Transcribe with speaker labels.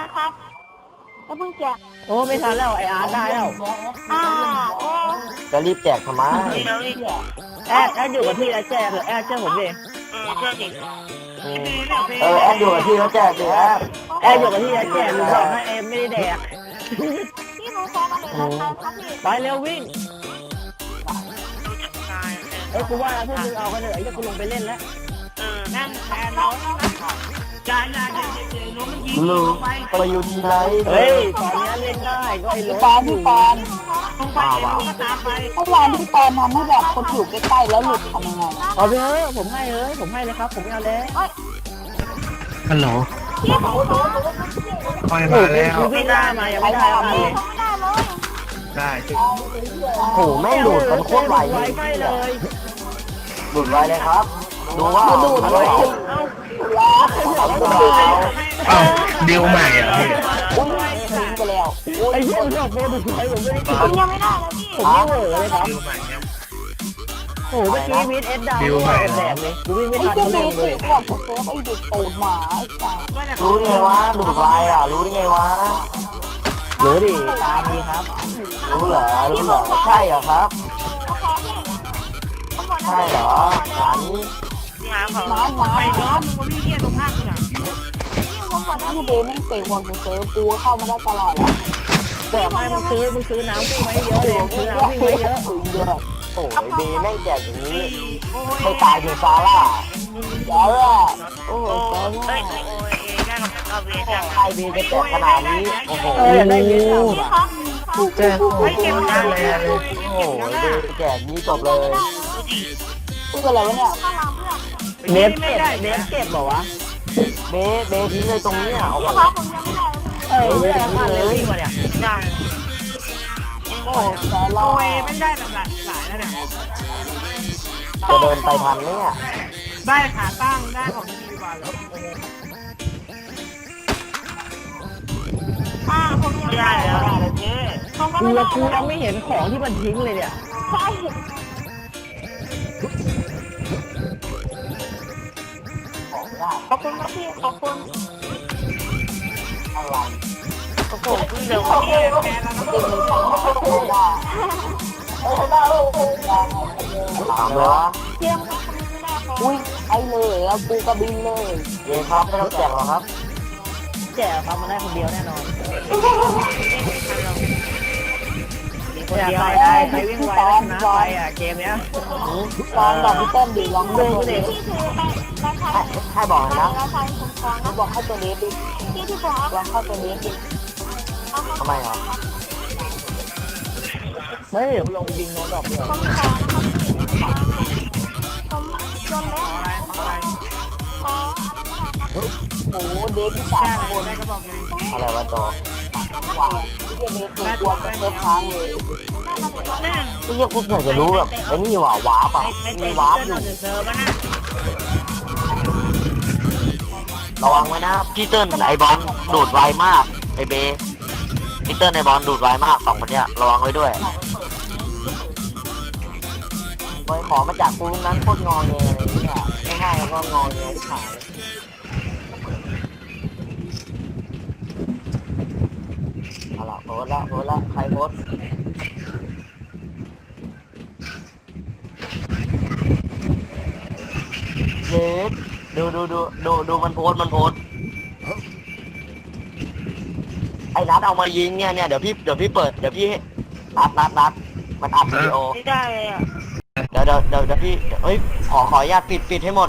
Speaker 1: ครับแล้วเพิ่งแจก
Speaker 2: โอ้ไม่ทันแล้วไออาร์ตได้แล้ว
Speaker 1: โอ้
Speaker 3: จะรีบแจกทำไม
Speaker 2: แอดอยู่กับพี่แล้วแจกเหรอแอดเชื่อผมดิ
Speaker 1: เชื่อดิ
Speaker 3: แอดอยู่กับที่เขาแจกดิแอด
Speaker 2: แอดอยู่กับพี่แล้วแจกหรือบอกให้เอ็มไม่ได้แดก
Speaker 1: พี่หนูขอมาเลยนะครับพี่
Speaker 2: ไปเร็ววิ่งกูว่าพวกมึงเอากันเลยไอ้เจ้ากูลงไปเล่นแล้ว
Speaker 1: นั่งแทนเราการงานเจ๋งๆน้องมันยิง
Speaker 3: ลูกไปอยู่ที่ไหน
Speaker 2: เฮ้ยตอนนี้เล่นได้ก็ไอ้รถ
Speaker 4: ปอนพี่ปอน
Speaker 1: ลงไปก็ตามไป
Speaker 4: เมื่อวานพี่ปอนทำให้แบบคนอยู่ใกล้ๆแล้วหลุดทำยังไง
Speaker 2: เอาไปเถอะผมให้เลยผมให้เลยครับผมไม่เอาแล้ว
Speaker 5: ฮัลโหล
Speaker 1: พี่ผมขอ
Speaker 5: คอยมาแล้ว
Speaker 2: กูวิ่งได้มายังไม่ได้เอาเลย
Speaker 1: ไม่ได้เลย
Speaker 5: ได้
Speaker 3: โอ้โหแม่งดูดกันโคตรไว
Speaker 2: ไวไปเลย
Speaker 3: ดูดไวเลยครับ ดูว่าดูดไว
Speaker 5: เอ้าดิวใหม่อ่ะพี่
Speaker 4: อุ้ยทิ้งไปแล้ว
Speaker 2: ไอ้เหี้ยชอบโบดูดไวผมไม่ได้
Speaker 1: ผมยังไม่ได้เลยพี่
Speaker 2: ผมไม่เหวอเลยครับ
Speaker 5: ดิวใหม่เนี่ย
Speaker 2: โอ้โหเมื่อกี้วิทเอสดาวแดกเลยกูวิ่งไม่
Speaker 4: ไอ้
Speaker 2: ทัน
Speaker 4: เจ้า
Speaker 2: เล
Speaker 4: เด็
Speaker 2: ย
Speaker 4: กบอกผมไอ้เด็กโตหมาไอ้สัส
Speaker 3: รู้ได้ไงวะดูดไวรู้ได้ไงวะ
Speaker 2: รู้ดิตามดีครับ
Speaker 3: รู้เหรอใช่เหรอครับ
Speaker 1: ผมขอ
Speaker 3: ใช่เหรอหานี้
Speaker 1: พี่หาเขา
Speaker 4: หมาหมา
Speaker 1: ไปย้อมมึงพี่เที่ยตรงข้างกูน่ะผมขอ
Speaker 4: ที่เดนไม่เตะบอลกูเซอกูเข้ามาได้ตลอดแล้ว
Speaker 2: บอกให้มึงซื้อน้ำวิ่งไว้เยอะเลยซื้อน้ำวิ่งไว้เยอะ
Speaker 4: ถึงเยอะ
Speaker 3: โอ้ยเบแม่งแจกอย่างนี้ไม่ตายถึงซาร่า
Speaker 4: เยอะโอ้โห
Speaker 1: เฮ้ยโอ้ยได้กับเอาเวท
Speaker 3: ใครเบจะแจกขนาดนี้โอ้โห
Speaker 2: อยากได้วิทเอา
Speaker 1: ครับ
Speaker 5: แจ้งโอ้ยได้เลย
Speaker 3: โอ้โหเบแจกนี้จบเลย
Speaker 4: พูดอะไรวะเนี่ย
Speaker 1: ข้างหลังเพื่อน
Speaker 2: เนฟเก็บบอกวะ
Speaker 3: เบทิ้งเลยตรงนี้โอ้โห
Speaker 1: พี่ครับผมยังไม่ได้
Speaker 2: ไม่ได้มาเลยวิ่งมาเนี่ย
Speaker 1: ได้
Speaker 4: โอ้โหสา
Speaker 1: โอ้
Speaker 4: ลาย
Speaker 1: ไม่ได้แบบหลายแล้วเนี่ย
Speaker 3: จะเดินไปทันเนี่ย
Speaker 1: ได้ขาตั้งได้ของดีกว่าแล้วผมยังไม่ได้แล้วผมก็
Speaker 2: กู
Speaker 1: ไม่ได้
Speaker 2: ยังไม่เห็นของที่มันทิ้งเลยเนี่ย
Speaker 1: ใช่ขอบคุณครับพี่ขอบคุณ
Speaker 3: อะไร
Speaker 1: โอ้โหเดี๋ยวพี่แพ้แล้วนะ
Speaker 4: เด็กมันฟังไม่ได้
Speaker 3: ถามเลยวะ
Speaker 1: เที่ยงครับคนนี้ไม่ได้ครับ
Speaker 4: อุ้ยไอ้เลยแล้วกูกระบินเลย
Speaker 3: เยครับไม่ต้องแจกหรอกครับ
Speaker 2: แจกเขามาได้คนเดียวแน่นอนอยากได้ใครวิ่งไวแล้วชนะไปอ่ะเกมเนี้ย
Speaker 4: ตอนบอกพี่เต้นดิลองดูดิ
Speaker 1: พี่คือราคา
Speaker 3: ให้บอกนะ
Speaker 1: ราคาคุ้มครองนะ
Speaker 4: บอกเข้าตัวนี้ดิ
Speaker 1: พี่ที่ผมเอา
Speaker 4: ลองเข้าตัวนี้ดิ
Speaker 3: ทำไมอ่ะ
Speaker 2: ไม่ลงยิงโน้ตดอกเดียว
Speaker 1: คุ้มครองนะครับผมจนแล้วขอ
Speaker 4: โอ้โหเด็กที่สามคน
Speaker 3: อะไรวะจอ
Speaker 4: หวานที่เด็กตัวตัวเป็นเนื้อค้างเลย
Speaker 3: ที่ยังกูอยากจะรู้แบบไอ้นี่ว่ะวาร์ปอ่ะมีวาร์ปอยู่ระวังไว้นะพี่เติ้ลไอบอลดูดไวมากไอเบพี่เติ้ลไอบอลดูดไวมากสองคนเนี้ยระวังไว้ด้วยไปขอมาจากกูนั้นโคตรงอแงเลยเนี่ยไม่ให้แล้วก็งอแงที่ขายเอาละโพสละใครโพสเย็ดดูมันโพสไอ้นัดเอามายิงเนี่ยเดี๋ยวพี่เปิดเดี๋ยวพี่นัดมันอัดวิดีโอ
Speaker 1: ไม่ได้เลยอ่ะ
Speaker 3: เดี๋ยวพี่เฮ้ยขออนุญาตปิดให้หมด